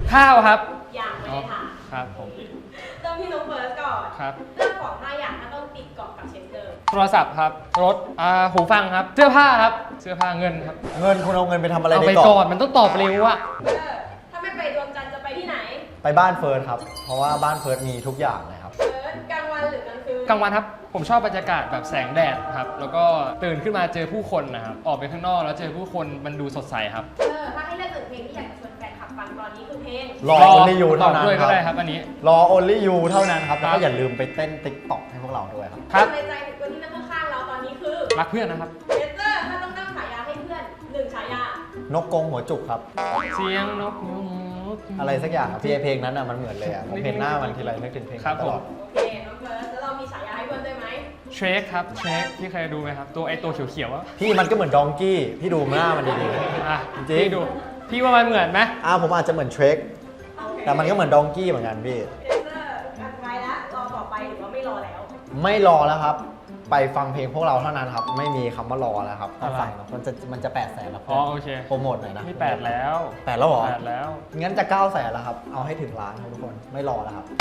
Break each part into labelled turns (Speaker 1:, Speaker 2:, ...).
Speaker 1: ข้าวครับ
Speaker 2: อย่างไม่ได้ถาม
Speaker 1: ครับผม
Speaker 2: เริ่มที่น้องเฟิร์สก่อน
Speaker 1: ครับ
Speaker 2: เรื่องของ5อย่างถ้าต้องติดเกาะกับเชนเตอร์
Speaker 1: โทรศัพท์ครับรถหูฟังครับเสื้อผ้าครับเสื้อผ้าเงินครับ
Speaker 3: เงินคุณเอาเงินไปทำอะไร
Speaker 1: เอา
Speaker 3: ใน
Speaker 1: ไป
Speaker 3: เกาะ
Speaker 1: ก่อนมันต้องตอบเร็วอะ
Speaker 2: ถ้าไม่ไปดวงจันทร์จะไปที่ไหน
Speaker 3: ไปบ้านเฟิร์สครับเพราะว่าบ้านเฟิร์สมีทุกอย่างเลยครับ
Speaker 2: เฟิร์สกลางวันหรือกลางคืน
Speaker 1: กลางวันครับผมชอบบรรยากาศแบบแสงแดดครับแล้วก็ตื่นขึ้นมาเจอผู้คนนะครับออกไปข้างนอกแล้วเจอผู้คนมันดูสดใสครับ
Speaker 2: ถ้าให้เลือก1เพลงที่อยากจะชวนแฟนคลับฟังตอนนี้คือเพลง
Speaker 3: รอ Only You เท่านั้น
Speaker 1: ด้วย
Speaker 3: ค
Speaker 1: ก็
Speaker 3: รับ
Speaker 1: ได้ครับอันนี้
Speaker 3: รอ Only You เท่านั้นครับแล้วก็อย่าลืมไปเต้น TikTok ให้พวกเราด้วยครับ
Speaker 1: ครับ
Speaker 2: ในใจถึงคนที่นั่งข้างๆเราตอนนี้คือ
Speaker 1: รักเพื่อนนะครับ
Speaker 2: เชนเตอร์ถ้าต้องตั้งฉายาให้เพื่อน1ฉายาน
Speaker 3: กกรงหัวจุกครับ
Speaker 1: เสียงนกยูง
Speaker 3: อะไรสักอย่างครับเพลงนั้นอ่ะมันเหมือนเลยอ่ะผมเห็นหน้ามันทีไรนึกถึงเพลงตลอด
Speaker 2: โอเคน้องเฟิร์สแล้วเรามีฉายาให้เพื่อนด้วยไหม
Speaker 1: เทรคครับเทรคพี่เคยดูไหมครับตัวตัวเขียวๆอะ
Speaker 3: พี่มันก็เหมือนดองกี้พี่ดูหน้ามันดี
Speaker 1: จริงพี่ดูพี่ว่ามันเหมือนไหม
Speaker 3: ผมอาจจะเหมือนเทรคแต่มันก็เหมือนดองกี้เหมือนกันพี่
Speaker 2: เชนเตอร์กันไปแล้วรอต่อไปหรือว่าไม่รอแล้ว
Speaker 3: ไม่รอแล้วครับไปฟังเพลงพวกเราเท่านั้นครับไม่มีคำว่ารอแล้วครับต้องฟังมันจะ800,000แล้ว
Speaker 1: โอเค
Speaker 3: โปรโมทหน่อยนะ
Speaker 1: นี่8แล้ว
Speaker 3: 8แล้วเหรอ
Speaker 1: 8แล้ว
Speaker 3: งั้นจะ900,000แล้วครับเอาให้ถึงล้านครับทุกคนไม่รอแล้วครับ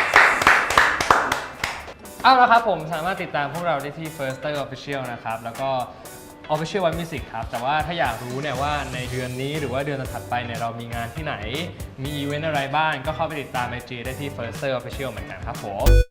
Speaker 1: เอาละครับผมสามารถติดตามพวกเราได้ที่ Firster Official นะครับแล้วก็ Official One Music ครับแต่ว่าถ้าอยากรู้เนี่ยว่าในเดือนนี้หรือว่าเดือนถัดไปเนี่ยเรามีงานที่ไหนมีอีเวนต์อะไรบ้างก็เข้าไปติดตาม IG ได้ที่ Firster Official เหมือนกันครับผม